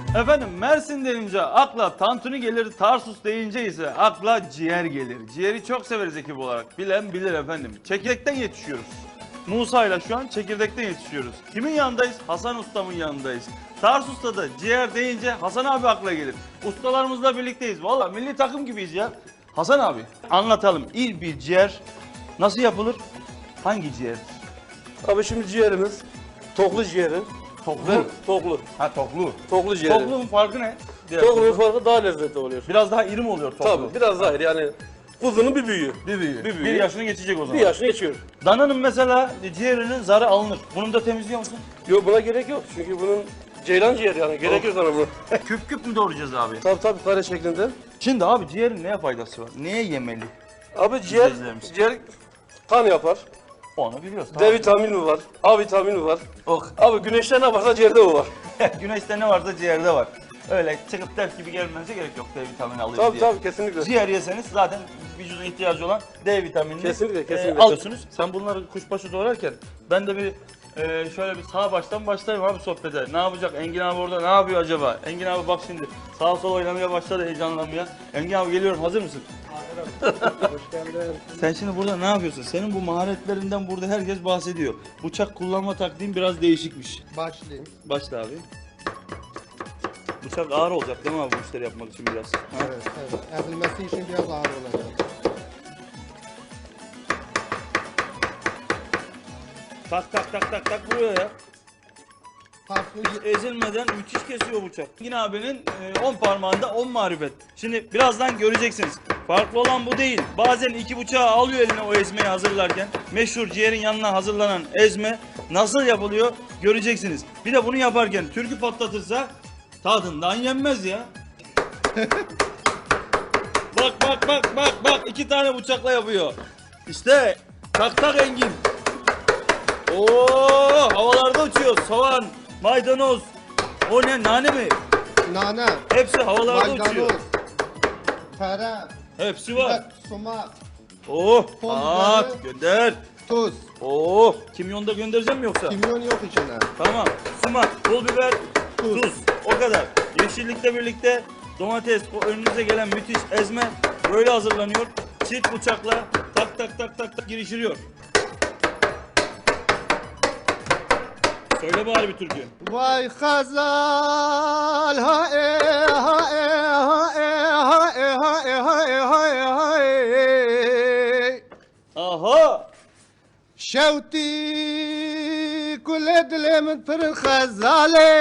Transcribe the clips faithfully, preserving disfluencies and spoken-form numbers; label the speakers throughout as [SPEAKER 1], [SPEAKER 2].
[SPEAKER 1] Efendim Mersin deyince akla tantuni gelir, Tarsus deyince ise akla ciğer gelir. Ciğeri çok severiz ekip olarak. Bilen bilir efendim. Çekirdekten yetişiyoruz. Musa ile şu an çekirdekten yetişiyoruz. Kimin yanındayız? Hasan Ustam'ın yanındayız. Tarsus'ta da ciğer deyince Hasan abi akla gelir. Ustalarımızla birlikteyiz. Valla milli takım gibiyiz ya. Hasan abi anlatalım. İyi bir ciğer nasıl yapılır? Hangi ciğer?
[SPEAKER 2] Abi şimdi ciğerimiz toklu ciğeri.
[SPEAKER 1] Toklu.
[SPEAKER 2] Toklu.
[SPEAKER 1] Ha toklu.
[SPEAKER 2] Toklu ciğeri.
[SPEAKER 1] Tokluğun farkı ne? Diğer
[SPEAKER 2] Toklunun
[SPEAKER 1] toklu.
[SPEAKER 2] farkı daha lezzetli oluyor.
[SPEAKER 1] Biraz daha iri mi oluyor toklu?
[SPEAKER 2] Tabii biraz daha iri yani kuzunun bir büyüğü.
[SPEAKER 1] Bir büyüğü.
[SPEAKER 2] Bir büyüğü.
[SPEAKER 1] Bir yaşını geçecek o zaman.
[SPEAKER 2] Bir yaşını geçiyor.
[SPEAKER 1] Dananın mesela ciğerinin zarı alınır. Bunun da temizliyor musun?
[SPEAKER 2] Yok buna gerek yok çünkü bunun ceylan ciğeri yani gerek yok sana bunu.
[SPEAKER 1] Küp küp mü doğrayacağız abi?
[SPEAKER 2] Tabii tabii kare şeklinde.
[SPEAKER 1] Şimdi abi ciğerin neye faydası var? Neye yemeli?
[SPEAKER 2] Abi ciğer,
[SPEAKER 1] İzleyicilerimiz.
[SPEAKER 2] ciğer kan yapar.
[SPEAKER 1] Onu biliyoruz.
[SPEAKER 2] D vitamini var, A vitamini var.
[SPEAKER 1] Oh.
[SPEAKER 2] Abi güneşte ne varsa ciğerde o var.
[SPEAKER 1] Güneşte ne varsa ciğerde var. Öyle çıkıp ders gibi gelmenize gerek yok D vitamini alıyoruz
[SPEAKER 2] Tabii
[SPEAKER 1] diye.
[SPEAKER 2] tabii kesinlikle.
[SPEAKER 1] Ciğer yeseniz zaten vücudun ihtiyacı olan D vitaminini
[SPEAKER 2] Kesinlikle, kesinlikle.
[SPEAKER 1] e, alıyorsunuz. Sen bunları kuşbaşı doğrarken ben de bir e, şöyle bir sağ baştan başlayayım abi sohbete. Ne yapacak? Engin abi orada ne yapıyor acaba? Engin abi bak şimdi sağa sola oynamaya başladı, heyecanlanmaya. Engin abi geliyorum, hazır mısın?
[SPEAKER 2] Hoş geldin.
[SPEAKER 1] Sen şimdi burada ne yapıyorsun? Senin bu maharetlerinden burada herkes bahsediyor. Bıçak kullanma taktiğin biraz değişikmiş.
[SPEAKER 3] Başlayayım.
[SPEAKER 1] Başla abi. Bıçak ağır olacak değil mi abi bu işleri yapmak için biraz? Ha?
[SPEAKER 3] Evet, evet. Ezilmesi için biraz ağır olacak.
[SPEAKER 1] Tak tak tak tak tak vuruyor ya.
[SPEAKER 3] Farklı
[SPEAKER 1] Ezilmeden müthiş kesiyor bıçak. Engin abinin on parmağında on marifet. Şimdi birazdan göreceksiniz. Farklı olan bu değil. Bazen iki bıçağı alıyor eline o ezmeyi hazırlarken. Meşhur ciğerin yanına hazırlanan ezme nasıl yapılıyor göreceksiniz. Bir de bunu yaparken türkü patlatırsa tadından yenmez ya. Bak bak bak bak bak iki tane bıçakla yapıyor. İşte tak tak Engin. Oo, havalarda uçuyor. Soğan, maydanoz. O ne, nane mi?
[SPEAKER 3] nane,
[SPEAKER 1] Hepsi havalarda uçuyor.
[SPEAKER 3] maydanoz, tere,
[SPEAKER 1] Hepsi var.
[SPEAKER 3] biber, sumak,
[SPEAKER 1] Oh,
[SPEAKER 3] Pul
[SPEAKER 1] at
[SPEAKER 3] biberi.
[SPEAKER 1] gönder.
[SPEAKER 3] tuz.
[SPEAKER 1] Oh, kimyon da göndereceğim mi yoksa?
[SPEAKER 3] Kimyon yok içine.
[SPEAKER 1] Tamam. Sumak, pul biber, tuz.
[SPEAKER 3] Tuz.
[SPEAKER 1] O kadar. Yeşillikle birlikte domates, o önünüze gelen müthiş ezme böyle hazırlanıyor. Çift bıçakla tak tak tak tak tak girişiliyor. Söyle bari bir türkü.
[SPEAKER 3] Vay Hazal ha e ha e ha e ha e ha e ha e ha e ha e.
[SPEAKER 1] Aha!
[SPEAKER 3] شوتي كل دلي من پر خزالي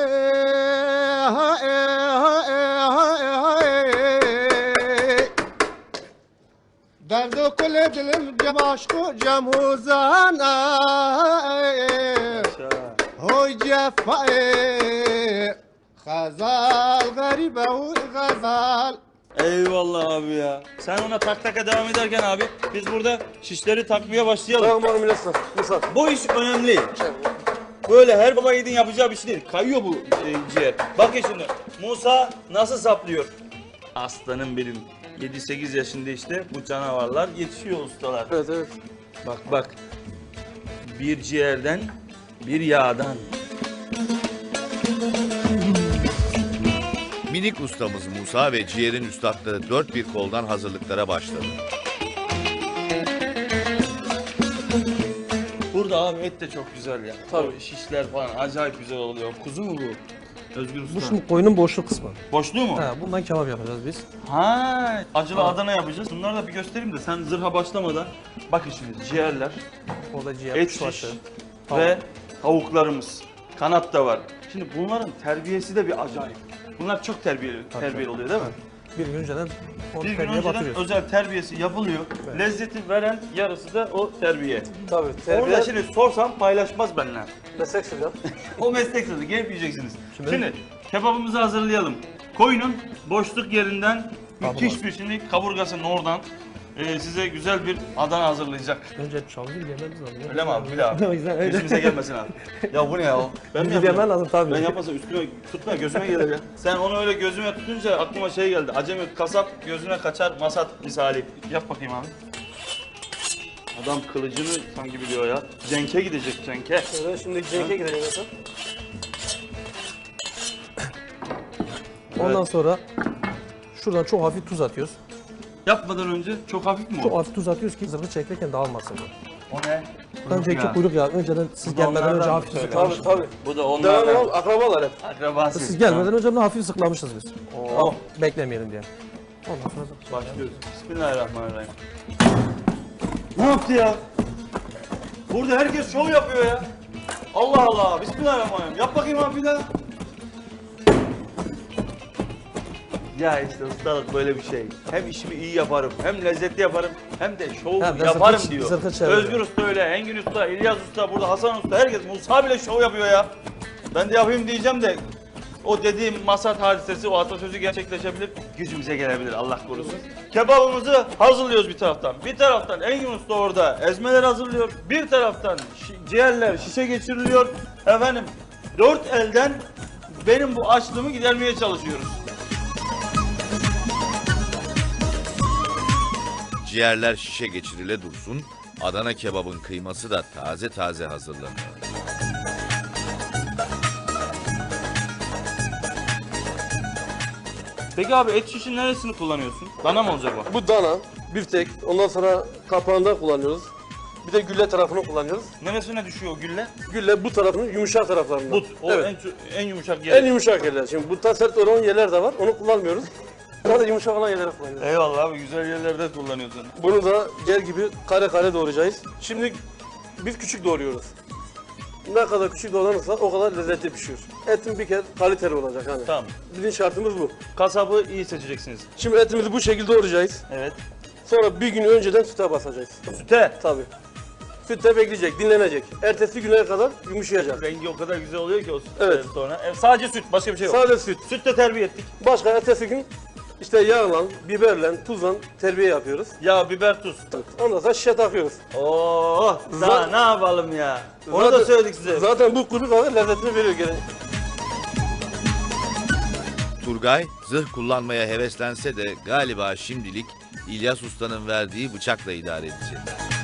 [SPEAKER 3] هاي هاي هاي هاي درد كل دلم جماشكو جموزانا هوي جفاي خزال غريبة غزال.
[SPEAKER 1] Eyvallah abi ya. Sen ona tak taka devam ederken abi biz burada şişleri takmaya başlayalım.
[SPEAKER 2] Tamam abi Milas'la. Misal.
[SPEAKER 1] Bu iş önemli. Böyle her baba yiğidin yapacağı bir şey değil. Kayıyor bu e, ciğer. Bakın şimdi Musa nasıl saplıyor? Aslanım benim. yedi sekiz yaşında işte bu canavarlar yetişiyor ustalar.
[SPEAKER 2] Evet evet.
[SPEAKER 1] Bak bak. Bir ciğerden bir yağdan.
[SPEAKER 4] Minik ustamız Musa ve ciğerin üstadları dört bir koldan hazırlıklara başladı.
[SPEAKER 1] Burada abi et de çok güzel ya.
[SPEAKER 2] Tabii.
[SPEAKER 1] O şişler falan acayip güzel oluyor. Kuzu mu bu? Özgür Usta.
[SPEAKER 5] Bu şimdi koyunun boşluk kısmı.
[SPEAKER 1] Boşluğu mu?
[SPEAKER 5] He, bundan kebap yapacağız biz.
[SPEAKER 1] Ha, acılı Adana yapacağız. Bunları da bir göstereyim de sen zırha başlamadan. Bakın şimdi ciğerler,
[SPEAKER 5] Orada ciğer,
[SPEAKER 1] et
[SPEAKER 5] kuşbaşı,
[SPEAKER 1] şiş
[SPEAKER 5] tavuk.
[SPEAKER 1] ve tavuklarımız. Kanat da var. Şimdi bunların terbiyesi de bir acayip. Bunlar çok terbiyeli, terbiyeli oluyor değil mi?
[SPEAKER 5] Bir gün önceden onu
[SPEAKER 1] Bir gün
[SPEAKER 5] terbiye
[SPEAKER 1] önceden
[SPEAKER 5] batırıyoruz.
[SPEAKER 1] özel terbiyesi yapılıyor. Lezzeti veren yarısı da o terbiye.
[SPEAKER 2] Tabii.
[SPEAKER 1] Onu
[SPEAKER 2] Terbiye
[SPEAKER 1] da şimdi sorsam paylaşmaz benimle.
[SPEAKER 2] meslek sırrı.
[SPEAKER 1] O meslek sırrı, gelip yiyeceksiniz. Şimdi,
[SPEAKER 5] Şimdi-
[SPEAKER 1] kebabımızı hazırlayalım. Koyunun boşluk yerinden müthiş
[SPEAKER 5] Kaburgası.
[SPEAKER 1] bir şimdi kaburgasının oradan e, size güzel bir Adana hazırlayacak.
[SPEAKER 5] Önce çalgı yememiz lazım.
[SPEAKER 1] Öyle mi abi? Bil abi.
[SPEAKER 5] O yüzden öyle.
[SPEAKER 1] Yüzümüze gelmesin abi. Ya bu ne ya? Ben mi
[SPEAKER 5] Bizi
[SPEAKER 1] yapacağım?
[SPEAKER 5] yemen lazım tabii.
[SPEAKER 1] Ben yapmasam üstüme tutma, gözüme gelir ya. Sen onu öyle gözüme tutunca aklıma şey geldi. Acemi kasap gözüne kaçar masat misali. Yap bakayım abi. Adam kılıcını sanki biliyor ya. Cenk'e gidecek Cenk'e.
[SPEAKER 2] Evet şimdi Cenk'e gideceğiz mesela.
[SPEAKER 5] Ondan
[SPEAKER 1] Evet.
[SPEAKER 5] sonra şuradan çok hafif tuz atıyoruz.
[SPEAKER 1] Yapmadan önce çok hafif mi
[SPEAKER 5] Çok
[SPEAKER 1] o?
[SPEAKER 5] hafif tuz atıyoruz ki zırhı çekerken dağılmasın bu.
[SPEAKER 1] O ne?
[SPEAKER 5] Önceki kuyruk yağı, önceden siz
[SPEAKER 1] Bu da
[SPEAKER 5] gelmeden önce
[SPEAKER 1] onlardan
[SPEAKER 5] hafif
[SPEAKER 1] mı söyle?
[SPEAKER 2] Tabii
[SPEAKER 5] sıklamışız.
[SPEAKER 2] tabii.
[SPEAKER 1] Bu da
[SPEAKER 2] Devamlı
[SPEAKER 1] onlardan.
[SPEAKER 2] ol, akrabalar hep.
[SPEAKER 1] Akrabası.
[SPEAKER 5] Siz gelmeden önce bunu hafif sıklamışız biz.
[SPEAKER 1] Oo.
[SPEAKER 5] Beklemeyelim diye. Ondan sonra da
[SPEAKER 1] Başlıyoruz. Bismillahirrahmanirrahim. Ne yaptı ya? Burada herkes şov yapıyor ya. Allah Allah. Bismillahirrahmanirrahim. Yap bakayım abi bir daha. Ya işte ustalık böyle bir şey. Hem işimi iyi yaparım, hem lezzetli yaparım, hem de şov
[SPEAKER 5] Hem de
[SPEAKER 1] yaparım
[SPEAKER 5] zırhı-
[SPEAKER 1] diyor.
[SPEAKER 5] zırhı çeviriyor.
[SPEAKER 1] Özgür Usta öyle, Engin Usta, İlyas Usta, burada Hasan Usta, herkes. Musa bile şov yapıyor ya. Ben de yapayım diyeceğim de o dediğim masat hadisesi, o atasözü gerçekleşebilir, gücümüze gelebilir Allah korusun. Kebabımızı hazırlıyoruz bir taraftan. Bir taraftan Engin Usta orada ezmeler hazırlıyor. Bir taraftan şi- ciğerler şişe geçiriliyor. Efendim dört elden benim bu açlığımı gidermeye çalışıyoruz.
[SPEAKER 4] Ciğerler şişe geçirile dursun, Adana kebabın kıyması da taze taze hazırlanıyor.
[SPEAKER 1] Peki abi et şişin neresini kullanıyorsun? Dana mı olacak o?
[SPEAKER 2] Bu dana, biftek, ondan sonra kapağında kullanıyoruz. Bir de gülle tarafını kullanıyoruz.
[SPEAKER 1] Neresine düşüyor o gülle?
[SPEAKER 2] Gülle bu tarafının yumuşak taraflarında.
[SPEAKER 1] But. O
[SPEAKER 2] Evet.
[SPEAKER 1] en, çu- en yumuşak yer.
[SPEAKER 2] En yumuşak yerler. Şimdi butta sert olan yerler de var. Onu kullanmıyoruz. Daha da yumuşak olan yerleri kullanıyoruz.
[SPEAKER 1] Eyvallah abi, güzel yerlerde kullanıyorsun.
[SPEAKER 2] Bunu da gel gibi kare kare doğrayacağız. Şimdi biz küçük doğruyoruz. Ne kadar küçük doğranırsa o kadar lezzetli pişiyor. Etin bir kere kaliteli olacak hani.
[SPEAKER 1] Tamam.
[SPEAKER 2] Bizim şartımız bu.
[SPEAKER 1] Kasabı iyi seçeceksiniz.
[SPEAKER 2] Şimdi etimizi bu şekilde doğrayacağız.
[SPEAKER 1] Evet.
[SPEAKER 2] Sonra bir gün önceden süte basacağız.
[SPEAKER 1] Süte.
[SPEAKER 2] Tabii. Sütte bekleyecek, dinlenecek. Ertesi güne kadar yumuşayacak.
[SPEAKER 1] Rengi o kadar güzel oluyor ki o sütten
[SPEAKER 2] Evet.
[SPEAKER 1] sonra. E, sadece süt, başka bir şey yok.
[SPEAKER 2] Sade süt.
[SPEAKER 1] Sütle terbiye ettik.
[SPEAKER 2] Başka ertesi gün işte yağla, biberle, tuzla terbiye yapıyoruz.
[SPEAKER 1] Yağ, biber, tuz.
[SPEAKER 2] Ondan sonra şişe takıyoruz.
[SPEAKER 1] Oo, daha
[SPEAKER 2] Za-
[SPEAKER 1] ne yapalım ya? Onu da
[SPEAKER 2] Zaten-
[SPEAKER 1] söyledik size.
[SPEAKER 2] Zaten bu kuru kahve lezzetini veriyor gene.
[SPEAKER 4] Turgay, zırh kullanmaya heveslense de galiba şimdilik İlyas Usta'nın verdiği bıçakla idare edecek.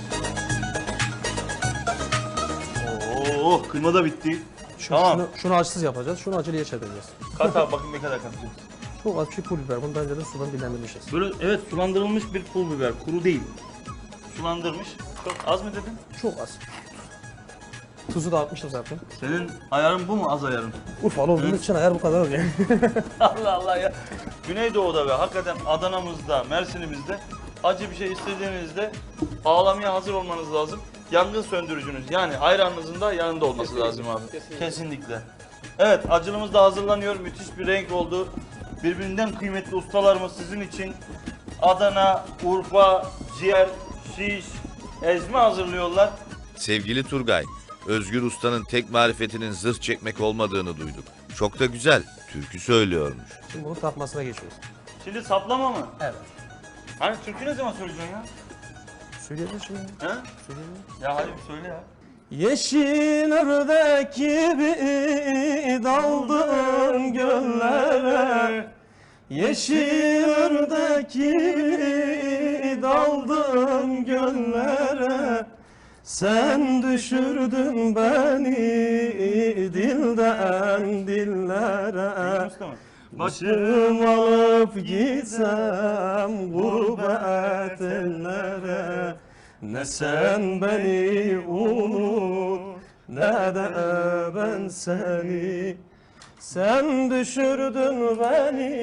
[SPEAKER 1] Oo, kıyma da bitti.
[SPEAKER 5] şunu,
[SPEAKER 1] Tamam.
[SPEAKER 5] şunu, şunu acısız yapacağız. Şunu acılıya çevireceğiz.
[SPEAKER 1] Kat abi bakayım ne kadar katacağız.
[SPEAKER 5] Çok az bir şey pul biber. Bunu daha önceden sudan dinlendirmişiz.
[SPEAKER 1] Böyle evet, sulandırılmış bir pul biber, kuru değil. Sulandırmış. Çok az mı dedin?
[SPEAKER 5] Çok az. Tuzu da atmıştım zaten.
[SPEAKER 1] Senin ayarın bu mu, az ayarın?
[SPEAKER 5] Urfalı olduğumuz için ayar bu kadar oluyor.
[SPEAKER 1] Allah Allah ya. Güneydoğu'da ve hakikaten Adana'mızda, Mersin'imizde acı bir şey istediğinizde ağlamaya hazır olmanız lazım. Yangın söndürücünüz yani ayranınızın da yanında olması lazım abi.
[SPEAKER 2] Kesinlikle.
[SPEAKER 1] Kesinlikle. Evet, acılımız da hazırlanıyor. Müthiş bir renk oldu. Birbirinden kıymetli ustalarımız sizin için Adana, Urfa, ciğer, şiş, ezme hazırlıyorlar.
[SPEAKER 4] Sevgili Turgay, Özgür Usta'nın tek marifetinin zırh çekmek olmadığını duyduk. Çok da güzel, türkü söylüyormuş.
[SPEAKER 5] Şimdi bunun takmasına geçiyoruz.
[SPEAKER 1] Şimdi saplama mı?
[SPEAKER 5] Evet.
[SPEAKER 1] Hani türkü ne zaman söyleyeceksin ya?
[SPEAKER 5] Söyleyeceğiz şimdi.
[SPEAKER 1] He?
[SPEAKER 5] Söyleyelim.
[SPEAKER 1] Ya hadi bir söyle ya.
[SPEAKER 5] Yeşil ördek gibi daldın göllere, Yeşil ördek gibi daldın göllere, sen düşürdün beni dilden dillere.
[SPEAKER 1] Usta mı?
[SPEAKER 5] Başım alıp gitsem gurbet ellere, ne sen beni unut ne de ben seni. Sen düşürdün beni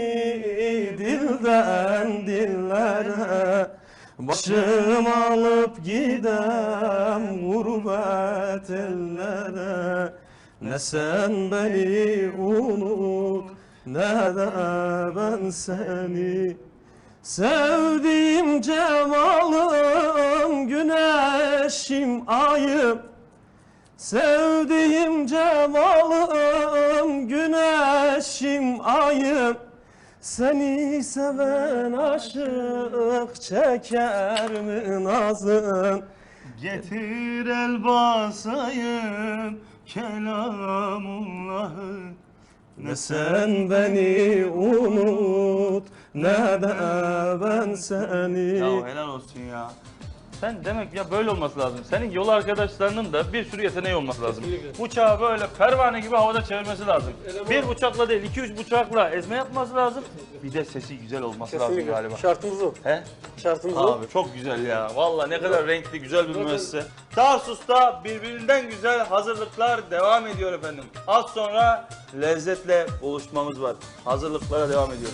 [SPEAKER 5] dilden dillere, başım alıp gidem gurbet ellere, ne sen beni unut ne de ben seni. Sevdiğim cemalım, güneşim, ayım, sevdiğim cemalım, güneşim, ayım, seni seven aşık çeker mi nazın?
[SPEAKER 1] Getir el basayım kelamullahı.
[SPEAKER 5] Ne sen beni unut ne de ben seni.
[SPEAKER 1] Ya helal olsun ya. Sen demek ya böyle olması lazım. Senin yol arkadaşlarının da bir sürü yeteneği olması lazım.
[SPEAKER 2] Kesinlikle.
[SPEAKER 1] Uçağı böyle pervane gibi havada çevirmesi lazım. Bir bıçakla değil, iki üç bıçakla ezme yapması lazım. Bir de sesi güzel olması lazım
[SPEAKER 2] Kesinlikle.
[SPEAKER 1] galiba.
[SPEAKER 2] Şartımız o.
[SPEAKER 1] He?
[SPEAKER 2] Şartımız o.
[SPEAKER 1] Abi çok güzel ya. Vallahi ne kadar renkli, güzel bir müessese. Tarsus'ta birbirinden güzel hazırlıklar devam ediyor efendim. Az sonra lezzetle buluşmamız var. Hazırlıklara devam ediyoruz.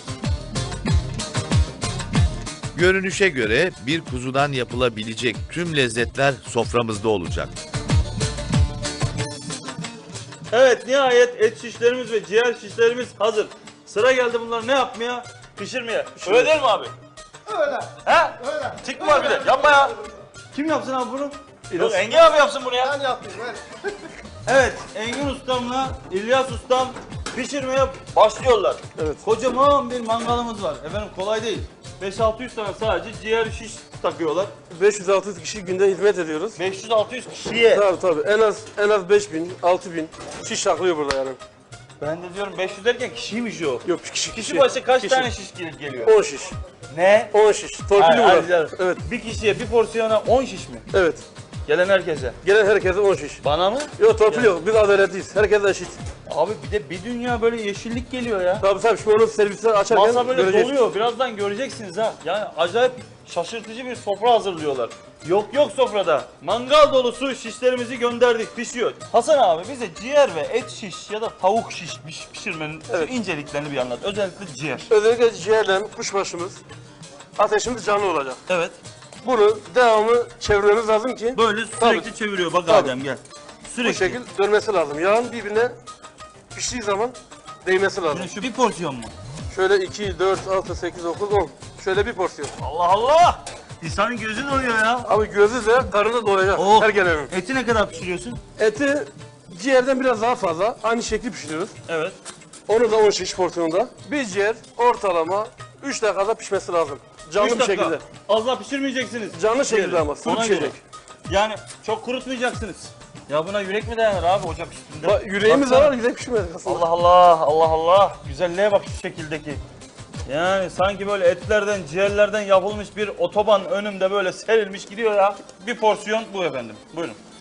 [SPEAKER 4] Görünüşe göre bir kuzudan yapılabilecek tüm lezzetler soframızda olacak.
[SPEAKER 1] Evet, nihayet et şişlerimiz ve ciğer şişlerimiz hazır. Sıra geldi bunları ne yapmaya? Pişirmeye. Öyle değil mi abi?
[SPEAKER 3] Öyle.
[SPEAKER 1] He?
[SPEAKER 3] Öyle.
[SPEAKER 1] Tik mi var bir de? Yapma ya. Kim yapsın abi bunu? Yok, Engin abi yapsın bunu ya.
[SPEAKER 3] Ben yapayım. Ben.
[SPEAKER 1] Evet, Engin ustamla İlyas ustam pişirmeye başlıyorlar.
[SPEAKER 2] Evet.
[SPEAKER 1] Kocaman bir mangalımız var. Efendim kolay değil. beş altı yüz tane sadece ciğer şiş takıyorlar.
[SPEAKER 2] beş yüz altı yüz kişi günde hizmet ediyoruz.
[SPEAKER 1] beş yüz altı yüz kişiye.
[SPEAKER 2] Tabii tabii. En az en az beş bin, altı bin şiş saklıyor burada yani.
[SPEAKER 1] Ben de diyorum beş yüz derken kişiymiş o.
[SPEAKER 2] Yok kişi
[SPEAKER 1] Kişi başı kaç
[SPEAKER 2] Kişi.
[SPEAKER 1] tane şiş gel- geliyor?
[SPEAKER 2] on şiş.
[SPEAKER 1] Ne?
[SPEAKER 2] on şiş. Torpilli
[SPEAKER 1] Hayır, hayır,
[SPEAKER 2] burada.
[SPEAKER 1] canım.
[SPEAKER 2] Evet.
[SPEAKER 1] Bir kişiye bir porsiyona on şiş mi?
[SPEAKER 2] Evet.
[SPEAKER 1] Gelen herkese.
[SPEAKER 2] Gelen herkese on şiş.
[SPEAKER 1] Bana mı?
[SPEAKER 2] Yok torpil yok. Biz adaletliyiz. Herkes eşit.
[SPEAKER 1] Abi bir de bir dünya böyle yeşillik geliyor ya.
[SPEAKER 2] Tabii tabii. Şimdi onu servisler açarken
[SPEAKER 1] Masa böyle
[SPEAKER 2] göreceğiz.
[SPEAKER 1] doluyor. Birazdan göreceksiniz ha. Yani acayip şaşırtıcı bir sofra hazırlıyorlar. Yok yok sofrada. Mangal dolusu şişlerimizi gönderdik. Pişiyor. Hasan abi bize ciğer ve et şiş ya da tavuk şiş piş- pişirmenin şu
[SPEAKER 2] Evet.
[SPEAKER 1] inceliklerini bir anlat. Özellikle ciğer.
[SPEAKER 2] Özellikle ciğerle kuşbaşımız ateşimiz canlı olacak.
[SPEAKER 1] Evet.
[SPEAKER 2] Bunu devamlı çevirmemiz lazım ki
[SPEAKER 1] Böyle sürekli
[SPEAKER 2] Tabii.
[SPEAKER 1] çeviriyor. Bak
[SPEAKER 2] Tabii.
[SPEAKER 1] Adem gel.
[SPEAKER 2] bu
[SPEAKER 1] Sürekli.
[SPEAKER 2] şekil dönmesi lazım. Yağın birbirine piştiği zaman değmesi lazım.
[SPEAKER 1] Şimdi şu bir porsiyon mu?
[SPEAKER 2] Şöyle iki, dört, altı, sekiz, dokuz, on. Şöyle bir porsiyon.
[SPEAKER 1] Allah Allah! İnsanın gözü doyuyor ya.
[SPEAKER 2] Abi gözü de karnı doyacak.
[SPEAKER 1] Oh.
[SPEAKER 2] Her gelenin.
[SPEAKER 1] Eti ne kadar pişiriyorsun?
[SPEAKER 2] Eti ciğerden biraz daha fazla. Aynı şekli pişiriyoruz.
[SPEAKER 1] Evet.
[SPEAKER 2] Onu da on şiş porsiyonda. Bir ciğer ortalama üç dakikada pişmesi lazım. Canlı
[SPEAKER 1] Üç
[SPEAKER 2] bir
[SPEAKER 1] dakika.
[SPEAKER 2] şekilde.
[SPEAKER 1] Az daha pişirmeyeceksiniz.
[SPEAKER 2] Canlı şekilde
[SPEAKER 1] Ciğeri.
[SPEAKER 2] ama. Sulu
[SPEAKER 1] Ona
[SPEAKER 2] pişecek.
[SPEAKER 1] göre. Yani çok kurutmayacaksınız. Ya buna yürek mi dayanır abi ocak üstünde?
[SPEAKER 2] Bak, yüreğimiz de
[SPEAKER 1] Baksana.
[SPEAKER 2] var, yürek pişmez aslında.
[SPEAKER 1] Allah Allah, Allah Allah. Güzelliğe bak şu şekildeki. Yani sanki böyle etlerden, ciğerlerden yapılmış bir otoban önümde böyle serilmiş gidiyor ya. Bir porsiyon bu efendim. Buyurun.